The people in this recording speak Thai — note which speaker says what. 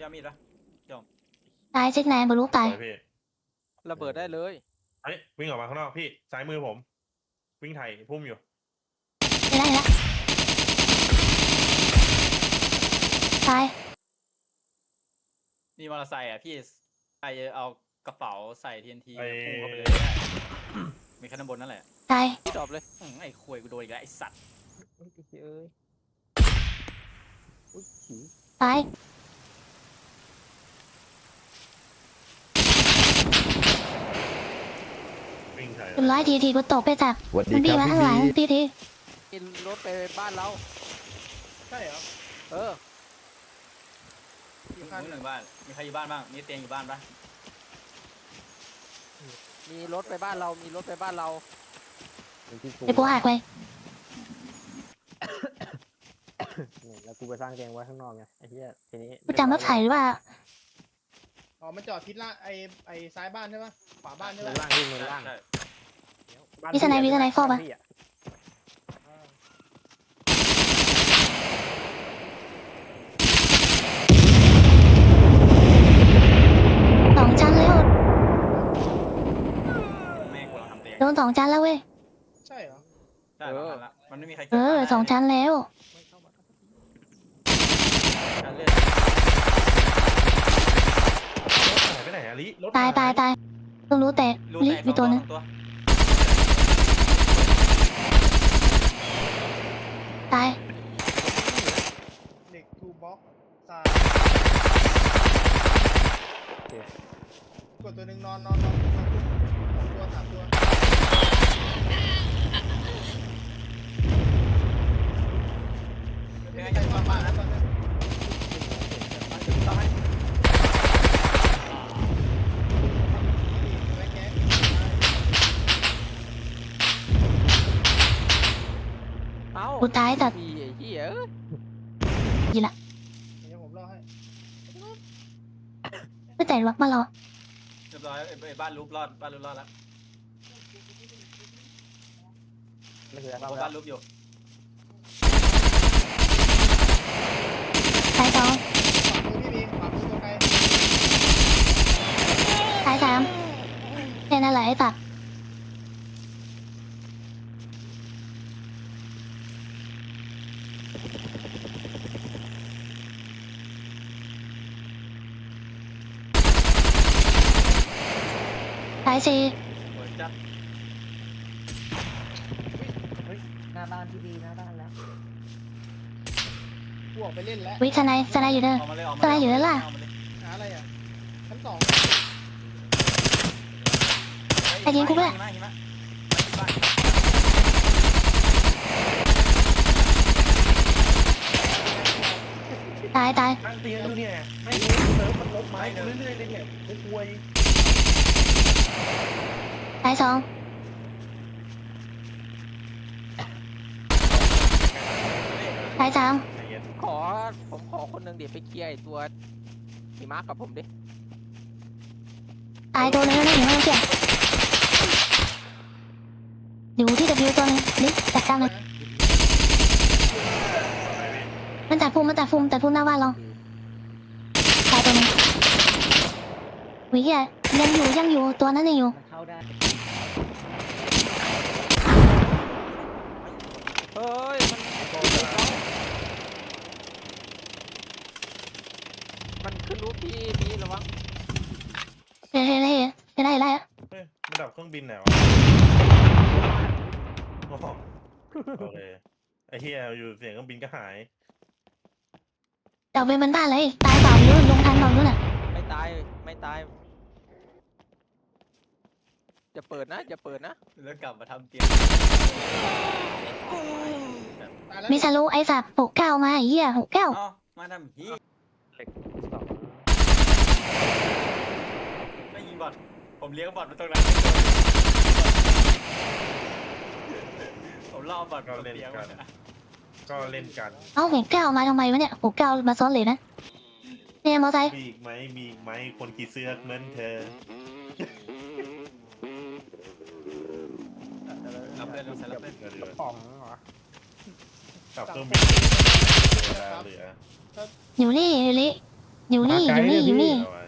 Speaker 1: พี่เอามีดปะจง
Speaker 2: ตายเช็คแนนบรรลุตาย
Speaker 3: ไปพี่
Speaker 4: ระเบิดได้เลย
Speaker 3: เฮ้ยวิ่งออกมาข้างนอกพี่ซ้ายมือผม วิ่งไถ่พุ่มอยู่
Speaker 2: ไม่ได้ละตาย
Speaker 1: มีมอเตอร์ไซค์อ่ะพี่ใครเอากระเป๋าใส่ TNT
Speaker 3: ไอ้
Speaker 1: พุ่งเข้าไปเลยก็ได้มีแค่ด้านบนนั่นแหละ
Speaker 2: ตาย
Speaker 4: จบเลย
Speaker 1: ไอ้ควยกูโดนอีกแล้วไอ้สัตว์
Speaker 2: ตาย
Speaker 3: วิ่งไถ่
Speaker 2: เป็นร้อยทีกูตกไปจาก
Speaker 5: สวัสดี
Speaker 2: มัน
Speaker 5: ค
Speaker 2: ดี
Speaker 5: รับ
Speaker 2: มา
Speaker 5: พี่
Speaker 2: ข้างหลัง
Speaker 5: บี
Speaker 2: ที
Speaker 4: กินรถไปบ้านเรา
Speaker 6: ใช่เหรอ
Speaker 4: เออ
Speaker 1: มึงหนึ่งบ้านมีใครอยู่บ้านบ้างมีเตียงอยู่บ้านปะ
Speaker 4: มีรถไปบ้านเรา มีรถไปบ้านเรา
Speaker 2: เดี๋ยวกูหักไป
Speaker 7: แล้วกูไปสร้างเตียงไว้ข้างนอกไงไอ้เหี้ยทีนี้
Speaker 2: กูจำรถไถหรือว่า
Speaker 6: อ๋อมันจอดทิศละไอซ้ายบ้านใช่ปะขวาบ้านใช่
Speaker 7: มื
Speaker 6: ปะ
Speaker 7: อล่างที่มือล่าง
Speaker 1: ใช่
Speaker 7: บ้าน
Speaker 2: มีสไนมีสไนฟอกปะ
Speaker 7: พี่อะ
Speaker 2: สองชั้นแล้ว
Speaker 1: แม่งกูเราทำเตียง
Speaker 2: โดนสองชั้นแล้วเว้ย
Speaker 6: ใช่เหรอ
Speaker 1: ใช่เราทำละมันไม่มีใคร
Speaker 2: เออสองชั้นแล้ว
Speaker 1: การเลือด
Speaker 3: รถหายไปไหนอะลิรถ
Speaker 2: ตาย
Speaker 3: ห
Speaker 2: ตายตายเพิ่งรู้แต่
Speaker 1: รู
Speaker 2: ลิ
Speaker 1: แตก
Speaker 2: มีตัวนึง
Speaker 1: สองตัว
Speaker 2: ตาย
Speaker 6: เด็กทูบ็อกซ้ายกดตัวหนึ่งนอนตัวสามตัวไม่ใครนอนบ้านนะตอนนี้ต้องให้แม็กแก๊ส
Speaker 4: เอ้า
Speaker 2: กูตายแต่
Speaker 4: พี่ไอ้เหี้ยเอ้ย
Speaker 2: ยีละ
Speaker 6: เดี๋ยวผมรอให้
Speaker 2: ไม่แต่วักมาหรอ
Speaker 1: เรียบร้อยไอ้บ้านรูปรอดบ้านรูปรอดแล้ว
Speaker 7: ไม่คือ
Speaker 1: เพราะว่า
Speaker 7: บ้า
Speaker 1: บ้าน นรูปอยู่
Speaker 2: ตายสอง
Speaker 6: ขวามือพี่บีขวามือตัวไกล
Speaker 2: ตายสามแค่นั้นแหละไอ้ตัดตายสี่
Speaker 1: สวยจัด
Speaker 7: หน้าบ้านพี่บีหน้าบ้านแล้ว
Speaker 6: กูออกไปเล่นแล้ว
Speaker 2: วิสไนสไนอยู่เด้อ
Speaker 1: ออกมาเลยออกมา
Speaker 2: ตายอยู่แล้วล่ะ
Speaker 1: ออกมาเลย
Speaker 6: หาอะไรอ่ะชั้นสอง
Speaker 2: ไอ้ยิงกูด้วย
Speaker 1: หิมะหิมะบ้าน
Speaker 2: ตายตาย
Speaker 3: ตั้งเตียงดูเนี่ยให้เติมมันลบไม้เรื่อยๆเลยเนี่ยไม่กลัว
Speaker 2: ตายสองตายสาม
Speaker 3: ใจเย็น
Speaker 4: ผมขอคนหนึ่งเดี๋ยวไปเคลียร์ไอ้ตัวหิมะกับผมดิ
Speaker 2: ตายตัวนึงแล้วนะอยู่ไม่ต้องเกี่ยวอยู่ที่ W ตัวนึงนี่จัดการเลยมันตัดพุ่มตัดพุ่มหน้าบ้านเราตายตัวนึงวิเหี้ยยังอยู่ตัวนั้นยังอยู่
Speaker 7: มันเข้าได้
Speaker 4: เฮ้ย มันขึ้นรูปพี่มีระวัง
Speaker 2: เฮ้ยได้
Speaker 3: เฮ้ยมันดับเครื่องบินไหนวะโอ้โหโอเคไอ้เฮียอยู่เสียงเครื่องบินก็หาย
Speaker 2: เดี๋ยวไปมันบ้านเลยตายเปล่าไม่รู้ลงทันเปล่าไม่รู้น่ะ
Speaker 4: ไม่ตาย ไม่ตาย จะเปิดนะ จะเปิดนะ
Speaker 1: แล้วกลับมาทำเตียง
Speaker 6: ตายแล้ว
Speaker 2: มีสรุไอ้สับ69มาไอ้เหี้ย69
Speaker 1: อ๋อมาทำฮีไม่ยิงบอทผมเลี้ยงบอทมาตรงนั้นผมล่อบอท
Speaker 3: ก็เล่น
Speaker 1: เลี้ยง
Speaker 3: กั
Speaker 1: มัน น
Speaker 3: ก็เล่นกัน
Speaker 2: เอ้า69มาทำไมวะเนี่ย69มาซ้อนเลยนะเนี่ยมอไซค์
Speaker 3: มีอีกไหมมีอีกไหมคนขี่เสื้อเหมือนเธอ
Speaker 1: รับเล่นเราใส่รับเล่น
Speaker 3: เหลือ
Speaker 7: ป๋องเหรอ
Speaker 3: กับเครื่องบินเหลือ
Speaker 2: อยู่นี่อยู่นี่อยู่นี่อยู่นี่อยู่นี่
Speaker 3: เอาไว้